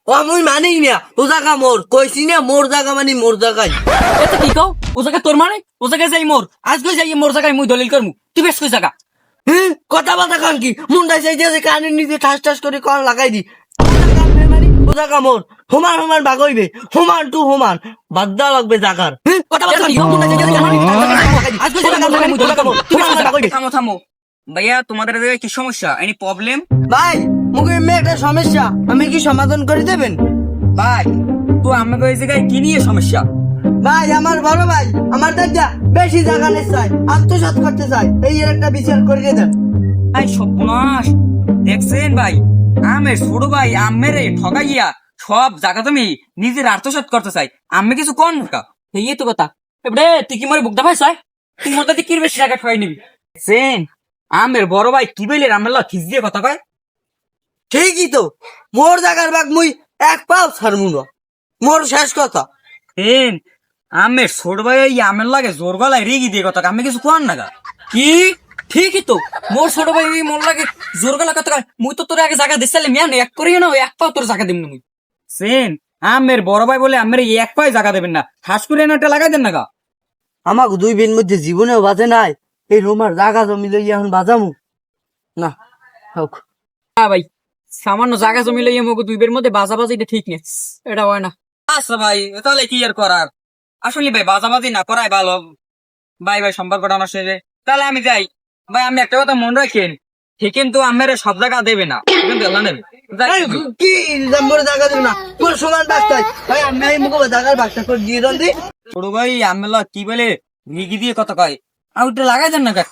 ও মুই মানি না, ও জায়গা মোর, কইছি না মোর জায়গা মানে মোর জায়গায়। এত কি কও? ও জায়গা তোর মানে? ও জায়গায় যাই মোর, আজকে যাই মোর জায়গায় মুই দলিল করমু। তুই বেশ কই জায়গা? হ্যাঁ, কথা বাতা কান কি মুন্ডাই চাইছে কানের নিচে ঠাস ঠাস করে কল লাগাই দি। ও জায়গা আমনে মানি, ও জায়গা মোর, সমান সমান ভাগ হইবে, সমান টু সমান, বাদ দেওয়া লাগবে জাগার। হ্যাঁ, কথা বাতা কান কি মুন্ডাই চাইছে কানের নিচে ঠাস ঠাস করে লাগাই দি। আজকে জায়গা আমনে মুই দলিল করমু, তুই বেশ সমান কই ভাগ হইবে। জায়গা? থামো থামো ভাইয়া, তোমাদের জায়গায় কি সমস্যা? Any problem? ভাই মুখে মেয়ে একটা সমস্যা, আমি কি সমাধান করে দেবেন? ভাই তো আমাকে ওই জায়গায় কি নিয়ে সমস্যা? ভাই আমার বড় ভাই আমার দাদা বেশি জায়গা নিতে চায়, আত্মসাৎ করতে চায়, এই এর একটা বিচার করে দেন। ভাই সর্বনাশ, দেখছেন ভাই, আমের ছোট ভাই আমের ঠগাইয়া সব জায়গা তুমি নিজের আত্মসাৎ করতে চাই, আমি কিছু কোন ঢোকা এই তো কথা। এবারে তুই কি মরে বুকদা ভাই চাই, তুই মোর দাদি কি বেশি জায়গা ঠগাই নিবি? দেখছেন আমের বড় ভাই কি বলে আমার খিস দিয়ে কথা কয়। ঠিকই তো, মোর জায়গার ভাগ মুই এক পাও ছাড়মু না, মোর শেষ কথা। হেন আমের ছোট ভাই এই আমের লাগে জোর গলায় রেগি দিয়ে কথা, আমি কিছু কোন না কি? ঠিকই তো, মোর ছোট ভাই মোর লাগে জোর গলা কথা কয়, মুই তো তোর আগে জায়গা দিছিলাম, মিয়া এক করিও না, এক পাও তোর জায়গা দিম না মুই। সেন আমের বড় ভাই বলে আমের এক পাই জায়গা দেবেন না, হাস করে একটা লাগাই দেন না গা। আমাকে দুই বিন মধ্যে জীবনেও বাজে নাই, এই রোমার জায়গা জমি লই এখন বাজামু না হোক। হ্যাঁ ভাই, সামান্য জায়গা জমি লইয়া মুখ দুই বের মধ্যে বাজাবাজি এটা ঠিক নেই, এটা হয় না। আচ্ছা ভাই, তাহলে কি আর করার, আসলে ভাই বাজাবাজি না করাই ভালো। ভাই ভাই সম্পর্কটা নষ্ট হয়ে যায়, তাহলে আমি যাই। ভাই আমি একটা কথা মনে রাখেন, ঠিক কিন্তু আমের সব জায়গা দেবে না, কিন্তু আল্লাহ নেবে। যাই এই, কিন্তু। কি মোর জায়গা দেব না, তোর সমান বাগ চাই ভাই, আমি এই মুখে জায়গার বাগটা করে দিয়ে দেন দি। ছোট ভাই আমেলা কি বলে রিগি দিয়ে কথা কয়, আর ওটা লাগাই দেন না গা।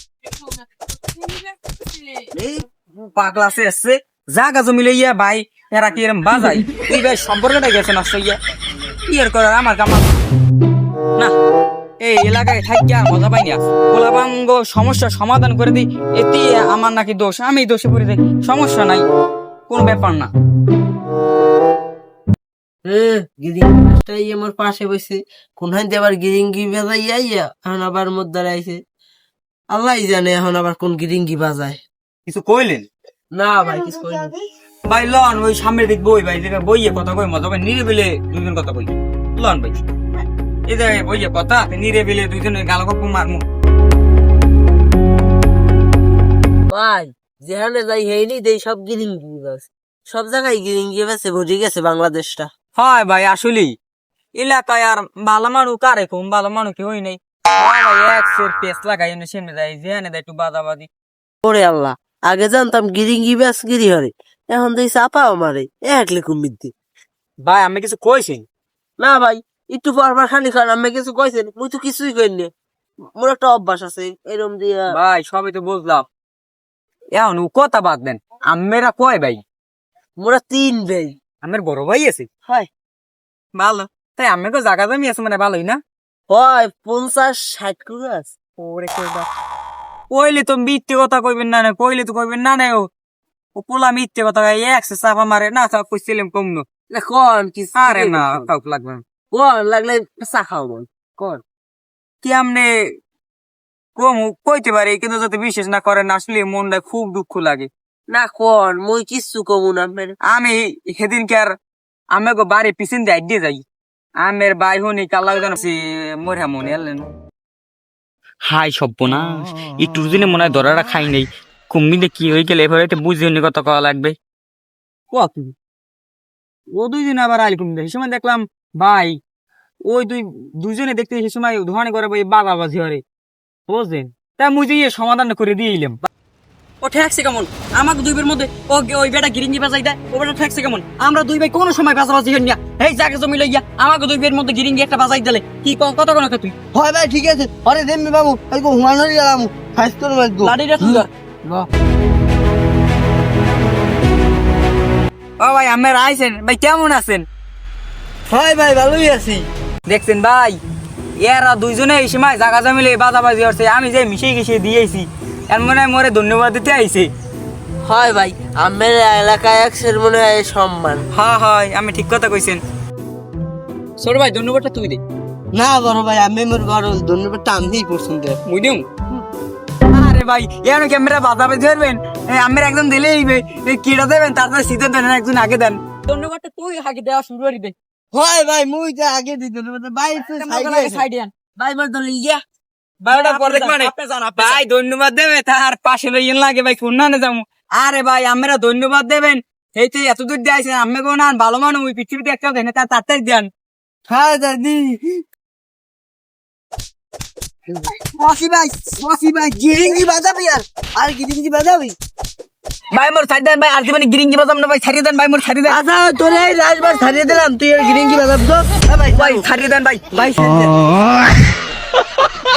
এই পাগলা সে এসছে জাগা জমি লইয়া ভাই, এরা কি এরম বাজাই, তুই ভাই সম্পর্কটা গেছে নষ্ট হইয়া, কি আর করার আমার কামাল না। এই এলাকায় থাকিয়া মজা পাই না, গোলাবাঙ্গ সমস্যার সমাধান করে দিই, এতে আমার নাকি দোষ, আমি দোষে পড়ে যাই, সমস্যা নাই, কোন ব্যাপার না। গিরিংটাই আমার পাশে বসে, কোনখান দিয়ে আবার গিরিঙ্গি বাজাই আইয়া এখন আবার মধ্যে আইছে, আল্লাহ জানে এখন আবার কোন গিরিঙ্গি বাজায়। কিছু কইলেন? না ভাই কিছু করিনি। ভাই লন ওই সামনে দিক বই, ভাই যেটা বইয়ে কথা কই মজা পাই, নিরিবিলে দুজন কথা কই, লন ভাই এই জায়গায় বইয়ে কথা, নিরিবিলে দুজনে গাল গপ্প মারমু। ভাই যেখানে যাই হেইনি দেই সব গিরিঙ্গি বাস, সব জায়গায় গিরিঙ্গি বাসে ভরে গেছে বাংলাদেশটা। হয় ভাই আসলেই এলাকায় আর ভালো মানুষ কারে কম, ভালো মানুষ কি হই নাই। হয় ভাই এক সের পেস লাগাই এনে সেমনে যাই, যেখানে দেয় একটু বাদাবাদি। ওরে আল্লাহ, আগে জানতাম গিরিঙ্গি বাস গিরি হরে, এখন দেই চাপাও মারে একলে কুমিদ্দি। ভাই আমি কিছু কইছি না ভাই, একটু পরবার খানি খান, আমি কিছু কইছেন, মুই তো কিছুই কইনি, মোর একটা অভ্যাস আছে এরম দিয়া। ভাই, সবই তো বুঝলাম, এখন ও কথা বাদ দেন, আমেরা কয় ভাই? মোরা তিন ভাই। আমের বড় ভাই আছে? হয় ভালো, তাই আমি তো জায়গা জমি আছে মানে ভালোই না। হয় 50-60 করে আছে। ওরে কইবা কইলে তো মিথ্যে কথা কইবেন না, কইলে তো কইবেন না ও ও পোলা মিথ্যে কথা কয়, একসে চাপা মারে না, চাপ কইছিলাম কম না। কোন কি আরে না কাউক লাগবে না। কোন লাগলে চা খাও বল কোন। কি আমনে কম কইতে পারি, কিন্তু যদি বিশেষ না করেন আসলে মনটা খুব দুঃখ লাগে। না কোন মুই কিছু কমু না মেরে। আমি সেদিনকে আর আমি বাড়ি পিছন দিয়ে দিয়ে যাই, আমের বাই হনি কাল্লা মরে মনে এলেন। হাই সব্যনাশ, একটু দিনে মনে হয় ধরাটা খাই নেই, কুম্মিতে কি হয়ে গেলে এভাবে বুঝে হনি কথা কওয়া লাগবে। ও দুইজন আবার আইল কুমিতে, সে সময় দেখলাম ভাই ওই দুইজনে দেখতে সে সময় ধোয়ানি করে বাগাবাজি হরে, বুঝলেন? তা মুই যে সমাধান করে দিয়ে এলাম। ও ঠেকছে কেমন আমাকে দুই বের মধ্যে, ও ওই বেটা গিরিঙ্গি বাজাই দেয়, ও বেটা ঠেকছে কেমন? আমরা দুই ভাই কোনো সময় বাজাবাজি হই না, এই জায়গা জমি লইয়া আমাকে দুই বের মধ্যে গিরিঙ্গি একটা বাজাই দিলে কি কত কোন তুই? হয় ভাই ঠিক আছে, আরে দেমনি বাবু এই গো হুমায়ুন গেলাম ফাইস্তর মাইগো লাড়িটা তুই ধর। ও ভাই আমরা আইছেন, ভাই কেমন আছেন? হয় ভাই ভালোই আছি। দেখছেন ভাই, এরা দুইজনে এই সময় জায়গা জমিলে বাজাবাজি হচ্ছে, আমি যে মিশে গেছে দিয়েছি, এর মনে হয় মোরে ধন্যবাদ দিতে আইছে। হয় ভাই আমের এলাকায় একসের মনে হয় সম্মান। হ্যাঁ হয়, আমি ঠিক কথা কইছেন। ছোট ভাই ধন্যবাদটা তুই দে। না বড় ভাই আমি মোর বড় ধন্যবাদটা আমিই পছন্দ। মুই দিম? আরে ভাই এর ক্যামেরা বাজাবাজি ধরবেন, আমের একজন দিলে কিটা দেবেন, তারপরে সিদ্ধান্ত নেন একজন আগে দেন। ধন্যবাদটা তুই আগে দেওয়া শুরু করে দে হয় ভাই মুই যা আগে দিত ভাই সাইডে আন ভাই বল তো ইয়া বারোটা পরে ভাই ধন্যবাদ দেবে তার পাশে লইয়েন লাগে ভাই কোন না যাবো আরে ভাই আমরা ধন্যবাদ দেবেন এই তো এত দূর দিয়ে আমি কোন ভালো মানুষ ওই পৃথিবীতে একটা দেন তার তাড়াতাড়ি দেন হ্যাঁ দাদি ওয়াসি ভাই গিরিঙ্গি বাজাবি আর গিরিঙ্গি বাজাবি ভাই মোর ছাড়ি দেন ভাই আর জীবনে গিরিঙ্গি বাজাম না ভাই ছাড়িয়ে দেন ভাই মোর ছাড়িয়ে দেন আচ্ছা তোরে এই রাজবার ছাড়িয়ে দিলাম তুই আর গিরিঙ্গি বাজাবি তো ভাই ভাই ছাড়িয়ে দেন ভাই ভাই